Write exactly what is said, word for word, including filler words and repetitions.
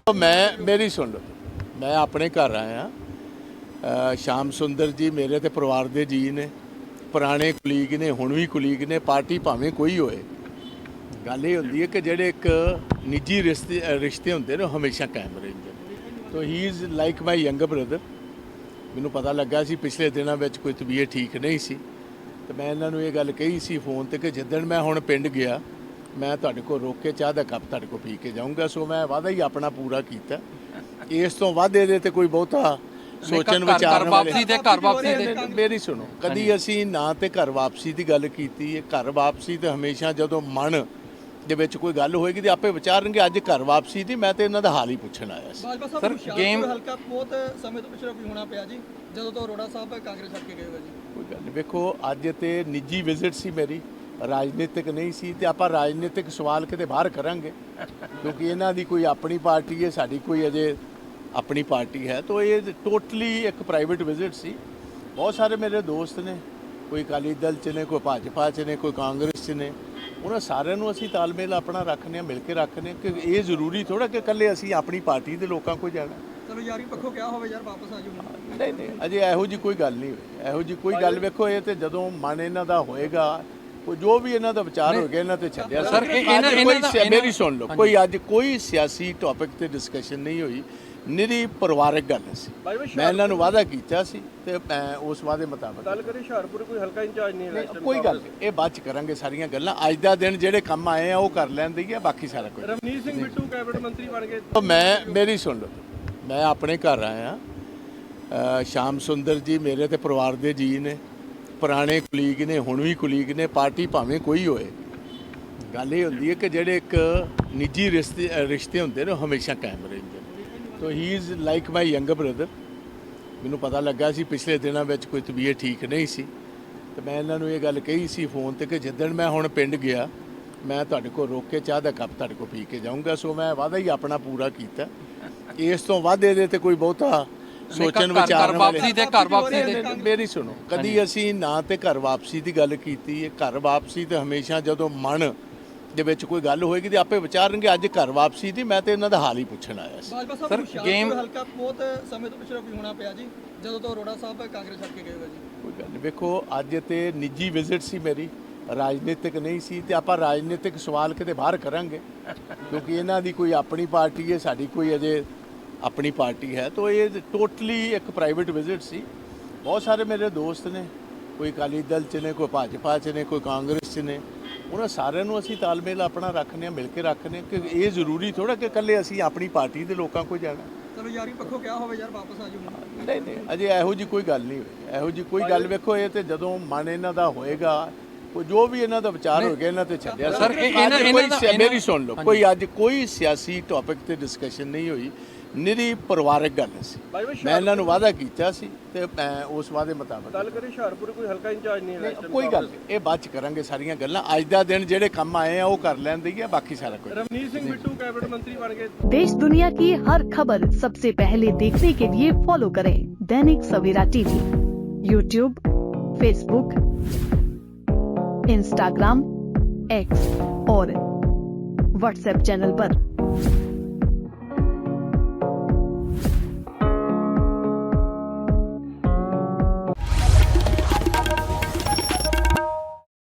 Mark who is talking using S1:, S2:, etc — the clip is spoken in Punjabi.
S1: मैं मेरी सुन लो, मैं अपने घर आया। श्याम सुंदर जी मेरे ते परिवार दे जी ने, पुराने कुलीग ने, हुण भी कुलीग ने। पार्टी भावें कोई होए, गल ये होंदी है कि जेडे एक निजी रिश्ते रिश्ते होंदे ने हमेशा कायम रहिंदे। तो he is like my younger brother. मैनूं पता लगा सी पिछले दिनों में कोई तबीयत ठीक नहीं सी, तो मैं इन्होंने ये गल कही सी फोन ते कि जिद्दण मैं हुण पिंड गया मैं तुहाडे कोल रोक के चाह दा कप तुहाडे कोल पी के जाऊँगा। सो मैं वादा ही अपना पूरा कीता। इस तो वध इहदे ते कोई बहुता सोचण विचारण वापसी ते घर वापसी ते मेरी सुनो, कदी असीं ना ते घर वापसी की गल कीती है। घर वापसी तो हमेशा जदों मन ਦੇ ਵਿੱਚ ਕੋਈ ਗੱਲ ਹੋਏਗੀ ਤੇ ਆਪੇ ਵਿਚਾਰਨਗੇ। ਅੱਜ ਘਰ ਵਾਪਸੀ ਦੀ ਮੈਂ ਤੇ ਇਹਨਾਂ ਦਾ ਹਾਲ ਹੀ ਪੁੱਛਣ ਆਇਆ ਸੀ।
S2: ਸਰ ਗੇਮ ਹਲਕਾ ਬਹੁਤ ਸਮੇਂ ਤੋਂ ਪਿਛੜਾ ਵੀ ਹੋਣਾ ਪਿਆ ਜੀ, ਜਦੋਂ ਤੋਂ ਅਰੋੜਾ ਸਾਹਿਬ ਕਾਂਗਰਸ ਛੱਡ ਕੇ ਗਏ ਹੋਏ ਜੀ।
S1: ਕੋਈ ਗੱਲ ਨਹੀਂ, ਵੇਖੋ ਅੱਜ ਤੇ ਨਿੱਜੀ ਵਿਜ਼ਿਟ ਸੀ ਮੇਰੀ, ਰਾਜਨੀਤਿਕ ਨਹੀਂ ਸੀ। ਤੇ ਆਪਾਂ ਰਾਜਨੀਤਿਕ ਸਵਾਲ ਕਿਤੇ ਬਾਹਰ ਕਰਾਂਗੇ ਕਿਉਂਕਿ ਇਹਨਾਂ ਦੀ ਕੋਈ ਆਪਣੀ ਪਾਰਟੀ ਹੈ, ਸਾਡੀ ਕੋਈ ਅਜੇ ਆਪਣੀ ਪਾਰਟੀ ਹੈ। ਤਾਂ ਇਹ ਟੋਟਲੀ ਇੱਕ ਪ੍ਰਾਈਵੇਟ ਵਿਜ਼ਿਟ ਸੀ। ਬਹੁਤ ਸਾਰੇ ਮੇਰੇ ਦੋਸਤ ਨੇ, ਕੋਈ ਅਕਾਲੀ ਦਲ 'ਚ ਨੇ, ਕੋਈ ਭਾਜਪਾ 'ਚ ਨੇ, ਕੋਈ ਕਾਂਗਰਸ 'ਚ ਨੇ। ਉਹਨਾਂ ਸਾਰਿਆਂ ਨੂੰ ਅਸੀਂ ਤਾਲਮੇਲ ਆਪਣਾ ਰੱਖਦੇ ਹਾਂ, ਮਿਲ ਕੇ ਰੱਖਦੇ ਹਾਂ ਕਿ ਇਹ ਜ਼ਰੂਰੀ ਥੋੜਾ ਕਿ ਇਕੱਲੇ ਅਸੀਂ ਆਪਣੀ ਪਾਰਟੀ ਦੇ ਲੋਕਾਂ ਕੋਲ ਜਾਣਾ।
S2: ਚਲੋ ਯਾਰੀ ਪੱਖੋਂ ਕਿਹਾ ਹੋਵੇ ਯਾਰ ਵਾਪਸ ਆ ਜਾਓ।
S1: ਨਹੀਂ ਨਹੀਂ, ਅਜੇ ਇਹੋ ਜੀ ਕੋਈ ਗੱਲ ਨਹੀਂ ਹੋਈ। ਇਹੋ ਜੀ ਕੋਈ ਗੱਲ ਵੇਖੋ, ਇਹ ਤੇ ਜਦੋਂ ਮਨ ਇਹਨਾਂ ਦਾ ਹੋਏਗਾ, ਕੋਈ ਜੋ ਵੀ ਇਹਨਾਂ ਦਾ ਵਿਚਾਰ ਹੋ ਗਿਆ ਇਹਨਾਂ ਤੇ ਛੱਡਿਆ। ਸਰ ਮੇਰੀ ਸੁਣ ਲਓ, ਕੋਈ ਅੱਜ ਕੋਈ ਸਿਆਸੀ ਟੌਪਿਕ ਤੇ ਡਿਸਕਸ਼ਨ ਨਹੀਂ ਹੋਈ, ਨਿਰੀ ਪਰਿਵਾਰਕ ਗੱਲ ਸੀ। ਮੈਂ ਇਹਨਾਂ ਨੂੰ ਵਾਅਦਾ ਕੀਤਾ ਸੀ ਤੇ ਮੈਂ ਉਸ ਵਾਅਦੇ ਮੁਤਾਬਕ
S3: ਗੱਲ ਕਰੀ। ਹੁਸ਼ਿਆਰਪੁਰ ਕੋਈ ਹਲਕਾ ਇੰਚਾਰਜ ਨਹੀਂ ਹੈ,
S1: ਕੋਈ ਗੱਲ ਇਹ ਬਾਅਦ ਚ ਕਰਾਂਗੇ ਸਾਰੀਆਂ ਗੱਲਾਂ। ਅੱਜ ਦਾ ਦਿਨ ਜਿਹੜੇ ਕੰਮ ਆਏ ਆ ਉਹ ਕਰ ਲੈਂਦੇ ਆ, ਬਾਕੀ ਸਾਰਾ ਕੁਝ।
S3: ਰਵਨੀਤ ਸਿੰਘ ਬਿੱਟੂ ਕੈਬਨਿਟ ਮੰਤਰੀ ਬਣ ਗਏ।
S1: ਮੈਂ ਮੇਰੀ ਸੁਣ ਲਓ, ਮੈਂ ਆਪਣੇ ਘਰ ਆਇਆ। ਸ਼ਾਮ ਸੁੰਦਰ ਜੀ ਮੇਰੇ ਤੇ ਪਰਿਵਾਰ ਦੇ ਜੀ ਨੇ, ਪੁਰਾਣੇ ਕੁਲੀਗ ਨੇ, ਹੁਣ ਵੀ ਕੁਲੀਗ ਨੇ। ਪਾਰਟੀ ਭਾਵੇਂ ਕੋਈ ਹੋਏ, ਗੱਲ ਇਹ ਹੁੰਦੀ ਹੈ ਕਿ ਜਿਹੜੇ ਇੱਕ ਨਿੱਜੀ ਰਿਸ਼ਤੇ ਰਿਸ਼ਤੇ ਹੁੰਦੇ ਨੇ ਹਮੇਸ਼ਾ ਕਾਇਮ ਰਹਿੰਦੇ। तो he is like my younger brother. मैनूं पता लगा सी पिछले दिनों में कोई तबीयत ठीक नहीं सी, तो मैं इन्होंने ये गल कही सी फोन ते कि जिद्दण मैं हुण पिंड गया मैं तुहाडे कोल रोक के चाह दा कप तुहाडे कोल पी के जाऊँगा। सो मैं वादा ही अपना पूरा कीता। इस तो वध इहदे ते कोई बहुता सोचण विचारण वापसी ते घर वापसी मेरी सुनो, कदी असीं ना ते घर वापसी की गल कीती है। घर वापसी तो हमेशा जदों मन ਦੇ ਵਿੱਚ ਕੋਈ ਗੱਲ ਹੋਏਗੀ ਤੇ ਆਪੇ ਵਿਚਾਰਨਗੇ। ਅੱਜ ਘਰ ਵਾਪਸੀ ਦੀ ਮੈਂ ਤੇ ਇਹਨਾਂ ਦਾ ਹਾਲ ਹੀ ਪੁੱਛਣ ਆਇਆ ਸੀ।
S2: ਸਰ ਗੇਮ ਹਲਕਾ ਬਹੁਤ ਸਮੇਂ ਤੋਂ ਪਿਛੜਾ ਵੀ ਹੋਣਾ ਪਿਆ ਜੀ, ਜਦੋਂ ਤੋਂ ਅਰੋੜਾ ਸਾਹਿਬ ਕਾਂਗਰਸ ਛੱਡ ਕੇ ਗਏ ਹੋਏ ਜੀ।
S1: ਕੋਈ ਗੱਲ ਨਹੀਂ, ਵੇਖੋ ਅੱਜ ਤੇ ਨਿੱਜੀ ਵਿਜ਼ਿਟ ਸੀ ਮੇਰੀ, ਰਾਜਨੀਤਿਕ ਨਹੀਂ ਸੀ। ਤੇ ਆਪਾਂ ਰਾਜਨੀਤਿਕ ਸਵਾਲ ਕਿਤੇ ਬਾਹਰ ਕਰਾਂਗੇ ਕਿਉਂਕਿ ਇਹਨਾਂ ਦੀ ਕੋਈ ਆਪਣੀ ਪਾਰਟੀ ਹੈ, ਸਾਡੀ ਕੋਈ ਅਜੇ ਆਪਣੀ ਪਾਰਟੀ ਹੈ। ਤਾਂ ਇਹ ਟੋਟਲੀ ਇੱਕ ਪ੍ਰਾਈਵੇਟ ਵਿਜ਼ਿਟ ਸੀ। ਬਹੁਤ ਸਾਰੇ ਮੇਰੇ ਦੋਸਤ ਨੇ, ਕੋਈ ਅਕਾਲੀ ਦਲ 'ਚ ਨੇ, ਕੋਈ ਭਾਜਪਾ 'ਚ ਨੇ, ਕੋਈ ਕਾਂਗਰਸ 'ਚ ਨੇ। ਉਹਨਾਂ ਸਾਰਿਆਂ ਨੂੰ ਅਸੀਂ ਤਾਲਮੇਲ ਆਪਣਾ ਰੱਖਦੇ ਹਾਂ, ਮਿਲ ਕੇ ਰੱਖਦੇ ਹਾਂ ਕਿ ਇਹ ਜ਼ਰੂਰੀ ਥੋੜਾ ਕਿ ਇਕੱਲੇ ਅਸੀਂ ਆਪਣੀ ਪਾਰਟੀ ਦੇ ਲੋਕਾਂ ਕੋਲ ਜਾਣਾ।
S2: ਚਲੋ ਯਾਰੀ ਪੱਖੋਂ ਕਿਹਾ ਹੋਵੇ ਯਾਰ ਵਾਪਸ ਆ ਜਾਓ।
S1: ਨਹੀਂ ਨਹੀਂ, ਅਜੇ ਇਹੋ ਜੀ ਕੋਈ ਗੱਲ ਨਹੀਂ ਹੋਈ। ਇਹੋ ਜੀ ਕੋਈ ਗੱਲ ਵੇਖੋ, ਇਹ ਤੇ ਜਦੋਂ ਮਨ ਇਹਨਾਂ ਦਾ ਹੋਏਗਾ, ਕੋਈ ਜੋ ਵੀ ਇਹਨਾਂ ਦਾ ਵਿਚਾਰ ਹੋ ਗਿਆ ਇਹਨਾਂ ਤੇ ਛੱਡਿਆ। ਸਰ ਮੇਰੀ ਸੁਣ ਲਓ, ਕੋਈ ਅੱਜ ਕੋਈ ਸਿਆਸੀ ਟੌਪਿਕ ਤੇ ਡਿਸਕਸ਼ਨ ਨਹੀਂ ਹੋਈ, ਨਿਰੀ ਪਰਿਵਾਰਕ ਗੱਲ ਸੀ। ਮੈਂ ਇਹਨਾਂ ਨੂੰ ਵਾਅਦਾ ਕੀਤਾ ਸੀ ਤੇ ਮੈਂ ਉਸ ਵਾਅਦੇ ਮੁਤਾਬਕ
S3: ਗੱਲ ਕਰੀ। ਹੁਸ਼ਿਆਰਪੁਰ ਕੋਈ ਹਲਕਾ ਇੰਚਾਰਜ ਨਹੀਂ ਹੈ,
S1: ਕੋਈ ਗੱਲ ਇਹ ਬਾਅਦ ਚ ਕਰਾਂਗੇ ਸਾਰੀਆਂ ਗੱਲਾਂ। ਅੱਜ ਦਾ ਦਿਨ ਜਿਹੜੇ ਕੰਮ ਆਏ ਆ ਉਹ ਕਰ ਲੈਂਦੇ ਆ, ਬਾਕੀ ਸਾਰਾ ਕੁਝ।
S3: ਰਵਨੀਤ ਸਿੰਘ ਬਿੱਟੂ ਕੈਬਨਿਟ ਮੰਤਰੀ ਬਣ ਗਏ।
S4: देश दुनिया की हर खबर सबसे पहले देखने के लिए फॉलो करें Dainik Savera TV, YouTube, Facebook, Instagram, X और व्हाट्सएप चैनल पर।